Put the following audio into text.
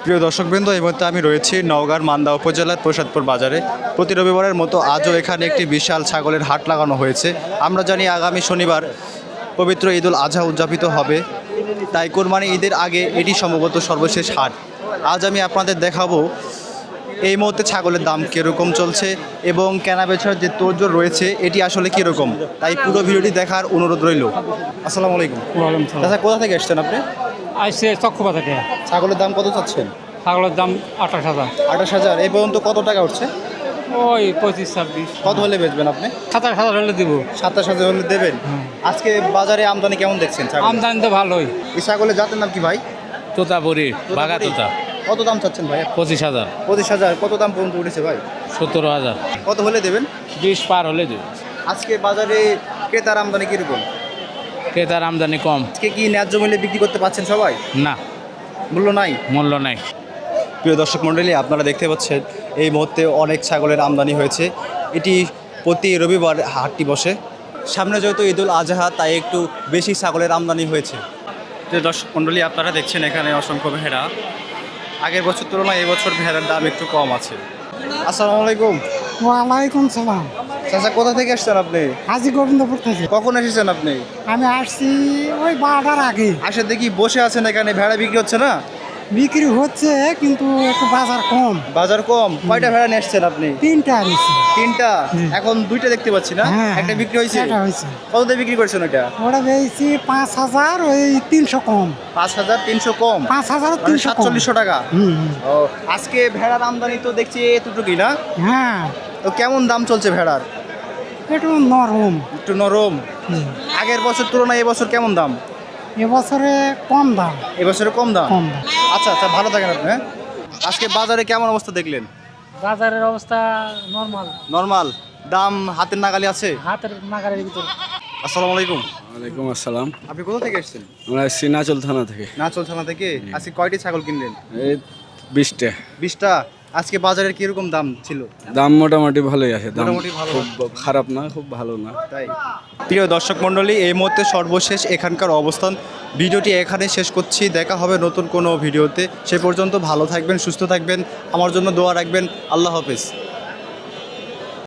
প্রিয় দর্শকবৃন্দ, এই মুহূর্তে আমি রয়েছি নওগাঁর মান্দা উপজেলার প্রসাদপুর বাজারে। প্রতি রবিবারের মতো আজও এখানে একটি বিশাল ছাগলের হাট লাগানো হয়েছে। আমরা জানি আগামী শনিবার পবিত্র ঈদুল আজহা উদযাপিত হবে, তাই কোরবানি ঈদের আগে এটি সম্ভবত সর্বশেষ হাট। আজ আমি আপনাদের দেখাবো এই মুহূর্তে ছাগলের দাম কীরকম চলছে এবং কেনা বেচার যে তোড়জোড় রয়েছে এটি আসলে কীরকম, তাই পুরো ভিডিওটি দেখার অনুরোধ রইল। আসসালামু আলাইকুম। আচ্ছা, কোথা থেকে এসছেন আপনি? আইসে চক্ষুপা থেকে। ছাগলের দাম কত চাচ্ছেন? ছাগলের দাম 28,000। 28,000। এই পর্যন্ত কত টাকা উঠছে? ওই 25-26। কত হলে বেচবেন আপনি? 27,000 হলে দিব। 27,000 হলে দেবেন। আজকে বাজারে আমদানি কেমন দেখছেন ছাগল? আমদানি তো ভালোই। এই ছাগলের জাতের নাম কি ভাই? তোতাপুরি বাঘা তোতাপুরি। তোতা কত দাম চাচ্ছেন ভাই? 25,000। 25,000। কত দাম পর্যন্ত উঠেছে ভাই? 17,000। কত হলে দেবেন? 20 পার হলে দেবে। আজকে বাজারে ক্রেতার আমদানি কিরকম? ক্রেতার আমদানি কম। আজকে কি ন্যায্য মূল্যে বিক্রি করতে পারছেন সবাই? না, মূল্য নাই। মূল্য নাই। প্রিয় দর্শক মণ্ডলী, আপনারা দেখতে পাচ্ছেন এই মুহূর্তে অনেক ছাগলের আমদানি হয়েছে। এটি প্রতি রবিবার হাটটি বসে। সামনে যেহেতু ঈদুল আজহা, তাই একটু বেশি ছাগলের আমদানি হয়েছে। প্রিয় দর্শক মণ্ডলী, আপনারা দেখছেন এখানে অসংখ্য ভেড়া। আগের বছর তুলনায় এবছর ভেড়ার দাম একটু কম আছে। আসসালামু আলাইকুম। ওয়ালাইকুম সালাম। চাচা, কোথা থেকে আসছেন আপনি? হাজি গোবিন্দপুর থেকে। কখন এসেছেন আপনি? আমি আসছি ওই 12টার আগে। আসে দেখি বসে আছেন এখানে, ভেড়া বিক্রি হচ্ছে না? বিক্রি হচ্ছে কিন্তু একটু বাজার কম। বাজার কম। কয়টা ভেড়া নিয়ে এসছেন আপনি? 3টা আনিছি। 3টা। এখন 2টা দেখতে পাচ্ছি না? হ্যাঁ, একটা বিক্রি হয়েছে? একটা হয়েছে। কত দিয়ে বিক্রি করছেন ওটা? ওটা পেয়েছি 5,000, ওই 300 কম। 5,300 কম। 5,300 কম। 4700 টাকা। হুম। ও, আজকে ভেড়ার আমদানি তো দেখছি এতটুকুই না? হ্যাঁ, তো কেমন দাম চলছে ভেড়ার? একটু নরম। একটু নরম। হুম। আগের বছর তুলনায় এবছর কেমন দাম? এবছরে কম দাম। এবছরে কম দাম। কম দাম। আচ্ছা আচ্ছা, ভালো থাকেন আপনি। হ্যাঁ? আজকে বাজারে কেমন অবস্থা দেখলেন? বাজারের অবস্থা নরমাল, নরমাল। দাম হাতের নাগালে আছে? হাতের নাগারের ভিতর। আসসালামু আলাইকুম। ওয়ালাইকুম আসসালাম। আপনি কোথা থেকে এসেছেন? আমরা সিনাচল থানা থেকে। নাচল থানা থেকে। আজকে কয়টি ছাগল কিনলেন? এই 20টা। 20টা। আজকে বাজারের কিরকম দাম ছিল? দাম মোটামুটি ভালোই আছে। দাম মোটামুটি ভালো। খুব খারাপ না, খুব ভালো না। তাই। প্রিয় দর্শক মণ্ডলী, এই মুহূর্তে সর্বশেষ এখানকার অবস্থান। ভিডিওটি এখানে শেষ করছি। দেখা হবে নতুন কোনো ভিডিওতে। সে পর্যন্ত ভালো থাকবেন, সুস্থ থাকবেন, আমার জন্য দোয়া রাখবেন। আল্লাহ হাফেজ।